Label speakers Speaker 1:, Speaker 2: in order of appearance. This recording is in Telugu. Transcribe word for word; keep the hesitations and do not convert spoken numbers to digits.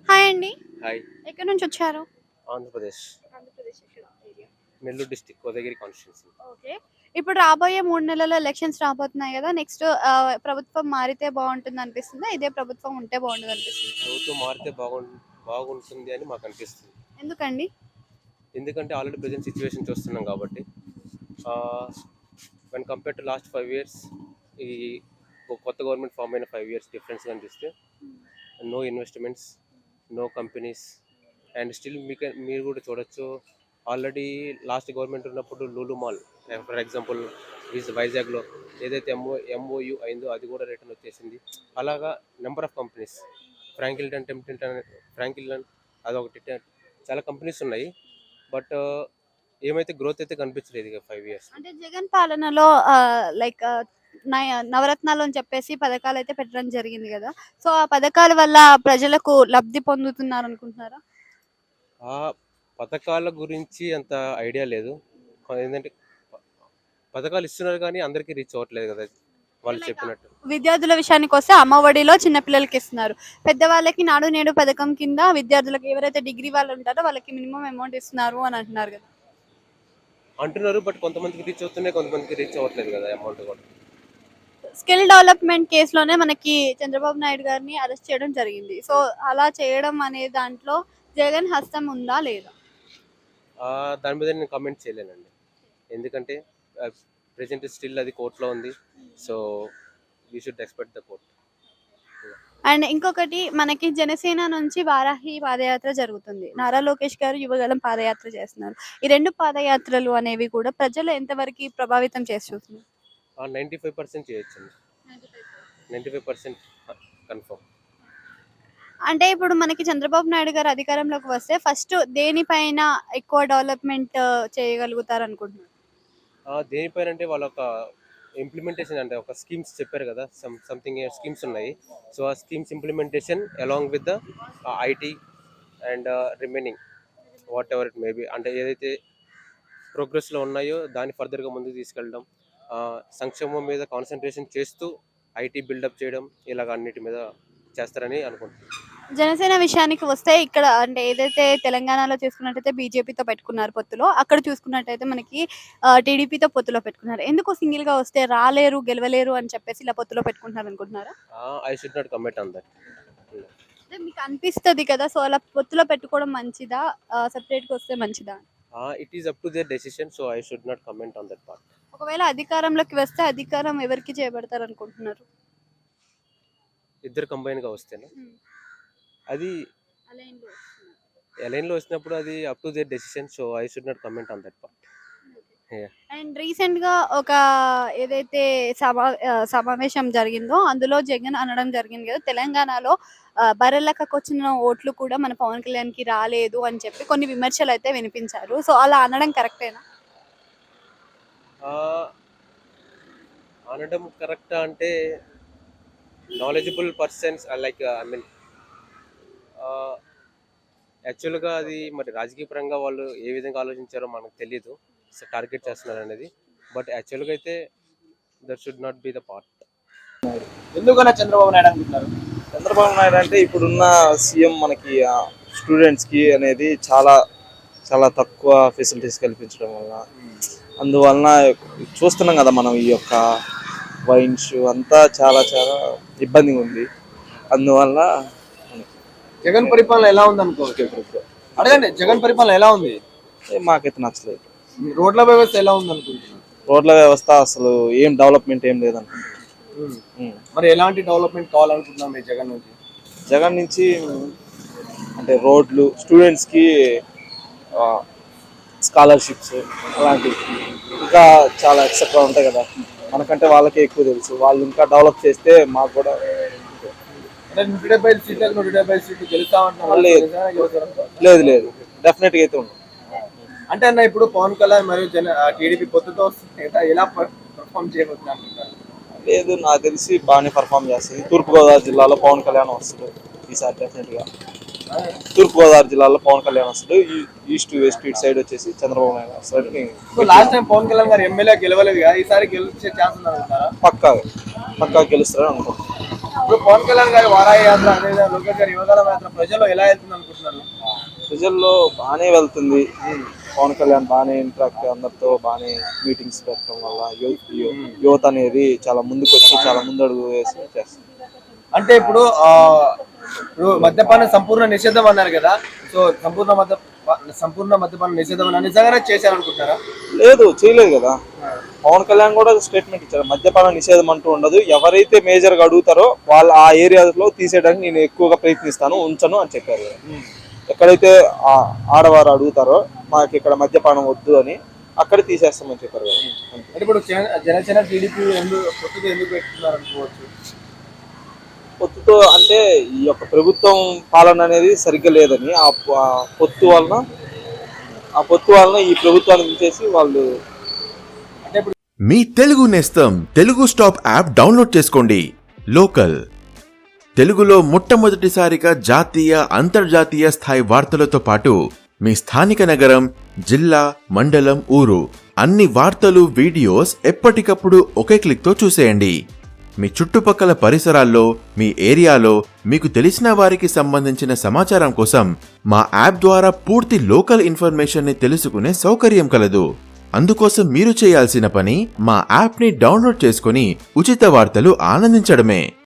Speaker 1: హాయ్ అండి.
Speaker 2: హాయ్.
Speaker 1: ఎక్కడి నుంచి వచ్చారు?
Speaker 2: ఆంధ్రప్రదేశ్.
Speaker 1: ఆంధ్రప్రదేశ్ ఎక్కడ ఏరియా?
Speaker 2: Nellore district Kotagiri constituency.
Speaker 1: Okay. ఇప్పుడు రాబోయే మూడు నెలల్లో ఎలక్షన్స్ రాబోతున్నాయి గదా! నెక్స్ట్ ఆహ్, ప్రభుత్వం మారితే బావుంటుందనిపిస్తుందా? ఇదే ప్రభుత్వం ఉంటే బావుంటదనిపిస్తుందా?
Speaker 2: ప్రభుత్వం మారితే బాగుం బాగుంటుంది అని మాకు అనిపిస్తుంది.
Speaker 1: ఎందుకండి?
Speaker 2: ఎందుకంటే ఆల్రెడీ ప్రెజెంట్ సిచ్యువేషన్ చూస్తున్నాం కాబట్టి. Ah, when compare to last five years ఈ కొ కొత్త గవర్నమెంట్ ఫార్మ్ అయిన ఫైవ్ ఇయర్స్ డిఫరెన్స్ కనిపిస్తే no investments, no companies and still మీక మీరు కూడా చూడొచ్చు. ఆల్రెడీ లాస్ట్ గవర్నమెంట్ ఉన్నప్పుడు లూలు మాల్ ఫర్ ఎగ్జాంపుల్ విజ్ వైజాగ్‌లో ఏదైతే ఎంఓ ఎంఓయూ అయిందో అది కూడా రిటర్న్ వచ్చేసింది. అలాగా number of companies Franklin Templeton Franklin అదొకటి ట చాలా కంపెనీస్ ఉన్నాయి. బట్ ఏమైతే గ్రోత్ అయితే కనిపించలేదు ఇక ఫైవ్ ఇయర్స్.
Speaker 1: అంటే జగన్ పాలనలో ఆహ్, లైక్ ఆహ్, నయ నవరత్నాలు అని చెప్పేసి పథకాలైతే పెట్టడం జరిగింది గదా! సో, ఆ పథకాల వల్ల ప్రజలకు లబ్ధి పొందుతున్నారనుకుంటున్నారా?
Speaker 2: ఆ పథకాల గురించి అంత ఐడియా లేదు. ఏందంటే ప పథకాలు ఇస్తున్నారు కానీ అందరికీ రీచ్ అవ్వట్లేదు కదా! వాళ్ళు
Speaker 1: లైక్
Speaker 2: చెప్పినట్టు.
Speaker 1: విద్యార్థుల విషయానికొస్తే అమ్మఒడిలో చిన్న పిల్లలకి ఇస్తున్నారు. పెద్దవాళ్ళకి నాడు నేడు పథకం కింద విద్యార్థులకు ఎవరైతే డిగ్రీ వాళ్ళు ఉంటారో వాళ్ళకి మినిమమ్ అమౌంట్ ఇస్తున్నారు అని అంటున్నారు గదా!
Speaker 2: అంటున్నారు బట్ కొంతమందికి రీచ్ అవుతున్నాయి, కొంతమందికి రీచ్ అవ్వట్లేదు కదా అమౌంట్ కూడా.
Speaker 1: స్కిల్ డెవలప్‌మెంట్ కేస్‌లోనే మనకి చంద్రబాబు నాయుడు గారిని అరెస్ట్ చేయడం జరిగింది. సో, అలా చేయడం అనే దాంట్లో జగన్ హస్తం ఉందా? లేదా?
Speaker 2: ఆహ్, దాని మీద నేను కామెంట్ చేయలేనండి. ఎందుకంటే ఆహ్, ప్రెజెంట్ స్టిల్ అది కోర్ట్‌లో ఉంది. So, we should expect the court.
Speaker 1: And ఇంకొకటి మనకి జనసేన నుంచి వారాహి పాదయాత్ర జరుగుతుంది. నారా లోకేష్ గారు యువగళం పాదయాత్ర చేస్తున్నారు. ఈ రెండు పాదయాత్రలు అనేవి కూడా ప్రజలు ఎంతవరకి ప్రభావితం చేసి చూస్తున్నాయి?
Speaker 2: ఆ! తొంభై ఐదు శాతం చేయొచ్చండి. తొంభై ఐదు శాతం ఆహ్, కన్ఫర్మ్.
Speaker 1: అంటే ఇప్పుడు మనకి చంద్రబాబు నాయుడు గారు అధికారంలోకి వస్తే ఫస్ట్ దేనిపైన ఎక్కువ డెవలప్‌మెంట్ చేయగలుగుతారనుకుంటున్నారు?
Speaker 2: ఆ! దేనిపైనంటే వాళ్ళొక ఇంప్లిమెంటేషన్ అంటే ఒక స్కీమ్స్ చెప్పారు కదా! సమ్ సంథింగ్ స్కీమ్స్ ఉన్నాయి. సో, ఆ schemes implementation along with the ah, IT and remaining whatever it may be అంటే ఏదైతే ప్రోగ్రెస్‌లో ఉన్నాయో దాన్ని ఫర్దర్‌గా ముందుకు తీసుకెళ్ళడం. ఆహ్, సంక్షేమం మీద కాన్సంట్రేషన్ చేస్తూ ఐటీ బిల్డప్ చేయడం ఇలాగ అన్నిటి మీద చేస్తారని అనుకుంటున్నాను.
Speaker 1: జనసేన విషయానికి వస్తే ఇక్కడ అంటే ఏదైతే తెలంగాణలో చూసుకున్నట్టయితే బీజేపీతో పెట్టుకున్నారు పొత్తులో. అక్కడ చూసుకున్నట్టయితే మనకి ఆహ్, టీడీపీతో పొత్తులో పెట్టుకున్నారు. ఎందుకు సింగిల్‌గా వస్తే రాలేరు, గెలవలేరు అని చెప్పేసి ఇలా పొత్తులో పెట్టుకుంటున్నారు అనుకుంటున్నారా?
Speaker 2: Ah, I should not comment on that. Hmm.
Speaker 1: అంటే మీకు అనిపిస్తది కదా! సో, అలా పొత్తులో పెట్టుకోవడం మంచిదా? ఆహ్, సెపరేట్‌గా వస్తే మంచిదా?
Speaker 2: Ah, it is up to their decision. So, I should not comment on that part.
Speaker 1: ఒకవేళ అధికారంలోకి వస్తే అధికారం ఎవరికి చేపడతారనుకుంటున్నారు?
Speaker 2: ఇద్దరు కంబైన్‌గా వస్తేనా?
Speaker 1: హ్మ్.
Speaker 2: అది
Speaker 1: అలైన్‌లో వస్తున్నారు.
Speaker 2: ఎలైన్‌లో వచ్చినప్పుడు అది up to their decision. So, I should not comment on that part. Yah!
Speaker 1: And రీసెంట్‌గా ఒక ఏదైతే సమా ఆహ్, సమావేశం జరిగిందో అందులో జగన్ అనడం జరిగింది కదా! తెలంగాణలో ఆహ్, బర్రెలెక్కకొచ్చిన ఓట్లు కూడా మన పవన్ కళ్యాణ్‌కి రాలేదు అని చెప్పి కొన్ని విమర్శలైతే వినిపించారు. సో, అలా అనడం కరెక్టేనా?
Speaker 2: ఆహ్, అనడం కరెక్టా అంటే knowledgeable persons are like I mean ah, యాక్చువల్‌గా అది మరి రాజకీయ పరంగా వాళ్ళు ఏ విధంగా ఆలోచించారో మనకు తెలీదు. So, target చేస్తున్నారనేది. బట్ యాక్చువల్‌గా అయితే that should not be the part.
Speaker 3: ఎందుకలా చంద్రబాబు నాయుడు అనుకుంటున్నారు?
Speaker 4: చంద్రబాబు నాయుడు అంటే ఇప్పుడున్న సీఎం మనకి స్టూడెంట్స్కి అనేది చాలా చాలా తక్కువ ఫెసిలిటీస్ కల్పించడం వల్ల, అందువలన చూస్తున్నాం కదా మనం ఈ యొక్క వైన్స్ అంతా చాలా చాలా ఇబ్బందిగా ఉంది. అందువల్ల
Speaker 3: జగన్ పరిపాలన ఎలా ఉంది అనుకోవచ్చు ఇప్పుడు? అడగండి, జగన్ పరిపాలన ఎలా ఉంది?
Speaker 4: మాకైతే నచ్చలేదు.
Speaker 3: రోడ్ల వ్యవస్థ ఎలా ఉంది అనుకుంటున్నారు?
Speaker 4: రోడ్ల వ్యవస్థ అసలు ఏం డెవలప్మెంట్ ఏం లేదనుకుంటున్నాను.
Speaker 3: మరి ఎలాంటి డెవలప్మెంట్ కావాలనుకుంటున్నాం మీరు జగన్ నుంచి?
Speaker 4: జగన్ నుంచి అంటే రోడ్లు, స్టూడెంట్స్కి స్కాలర్షిప్స్ అలాంటివి ఇంకా చాలా ఎక్సెట్రా ఉంటాయి కదా, మనకంటే వాళ్ళకే ఎక్కువ తెలుసు. వాళ్ళు ఇంకా డెవలప్ చేస్తే మాకు కూడా.
Speaker 3: అంటే నూట డెబ్బై ఐదు సీట్లకు నూట డెబ్బై ఐదు సీట్లు గెలుస్తామంటున్నారు.
Speaker 4: లేదు లేదు లేదు డెఫినెట్గా అయితే ఉంది.
Speaker 3: అంటే అన్న ఇప్పుడు పవన్ కళ్యాణ్ మరియు జన టీడీపీ పొత్తుతో వస్తుంది కదా, ఎలా పర్ఫామ్ చేయబోతున్నారు అనుకుంటున్నారు?
Speaker 4: లేదు, నాకు తెలిసి బాగానే పర్ఫామ్ చేస్తుంది. తూర్పుగోదావరి జిల్లాలో పవన్ కళ్యాణ్ వస్తుంది ఈసారి డెఫినెట్గా. తూర్పుగోదావరి జిల్లాలో పవన్ కళ్యాణ్ వస్తాడు. ఈస్ట్ వెస్ట్ ఇటు సైడ్ వచ్చేసి చంద్రబాబు నాయుడు వస్తాడు.
Speaker 3: లాస్ట్ టైం పవన్ కళ్యాణ్ గారు ఎమ్మెల్యే గెలవలేదు కదా, ఈసారి గెలిచే ఛాన్స్ ఉందంటారా?
Speaker 4: పక్కా పక్కా గెలుస్తాడు అనుకుంటున్నాను.
Speaker 3: ఇప్పుడు పవన్ కళ్యాణ్ గారి వారాహి యాత్ర అనేది లోకేష్ గారి యువగల యాత్ర ప్రజల్లో ఎలా వెళ్తుంది అనుకుంటున్నారు?
Speaker 4: ప్రజల్లో బాగానే వెళ్తుంది. పవన్ కళ్యాణ్ బాగానే ఇంట్రాక్ట్ అందరితో బాగానే మీటింగ్స్ పెట్టడం వల్ల యువ- యు- యువత అనేది చాలా ముందుకు వచ్చి చాలా ముందు అడుగు వేసి చేస్తుంది.
Speaker 3: అంటే ఇప్పుడు ఆ ఇప్పుడు మద్యపాన సంపూర్ణ నిషేధం అన్నారు కదా, సో సంపూర్ణ మద్య సంపూర్ణ మద్యపాన నిషేధం అని నిజంగానే చేశారనుకుంటారా?
Speaker 4: లేదు, చేయలేదు కదా. పవన్ కళ్యాణ్ కూడా స్టేట్మెంట్ ఇచ్చారు, మద్యపాన నిషేధం అంటూ ఉండదు, ఎవరైతే మేజర్ గా అడుగుతారో వాళ్ళు ఆ ఏరియాలో తీసేయడానికి నేను ఎక్కువగా ప్రయత్నిస్తాను, ఉంచను అని చెప్పారు కదా. ఎక్కడైతే ఆ ఆడవారు అడుగుతారో మాకు ఇక్కడ మద్యపానం వద్దు అని అక్కడ తీసేస్తామని చెప్పారు కదా.
Speaker 3: అంటే ఇప్పుడు జన- జనసేన టీడీపీ ఎందుకు కొత్తగా ఎందుకు పెట్టుకున్నారు అనుకోవచ్చు?
Speaker 4: పొత్తుతో అంటే ఈ యొక్క ప్రభుత్వం పాలన అనేది సరిగ్గా లేదని ఆ ఆ పొత్తు వలన ఆ పొత్తు వలన ఈ ప్రభుత్వాన్ని తీసేసి వాళ్ళు
Speaker 5: మీ తెలుగు నేస్తం తెలుగు స్టాప్ యాప్ డౌన్లోడ్ చేసుకోండి. లోకల్ తెలుగులో మొట్టమొదటిసారిగా జాతీయ అంతర్జాతీయ స్థాయి వార్తలతో పాటు మీ స్థానిక నగరం, జిల్లా, మండలం, ఊరు అన్ని వార్తలు, వీడియోస్ ఎప్పటికప్పుడు ఒకే క్లిక్తో చూసేయండి. మీ చుట్టుపక్కల పరిసరాల్లో, మీ ఏరియాలో మీకు తెలిసిన వారికి సంబంధించిన సమాచారం కోసం మా యాప్ ద్వారా పూర్తి లోకల్ ఇన్ఫర్మేషన్ ని తెలుసుకునే సౌకర్యం కలదు. అందుకోసం మీరు చేయాల్సిన పని మా యాప్ ని డౌన్లోడ్ చేసుకుని ఉచిత వార్తలు ఆనందించడమే.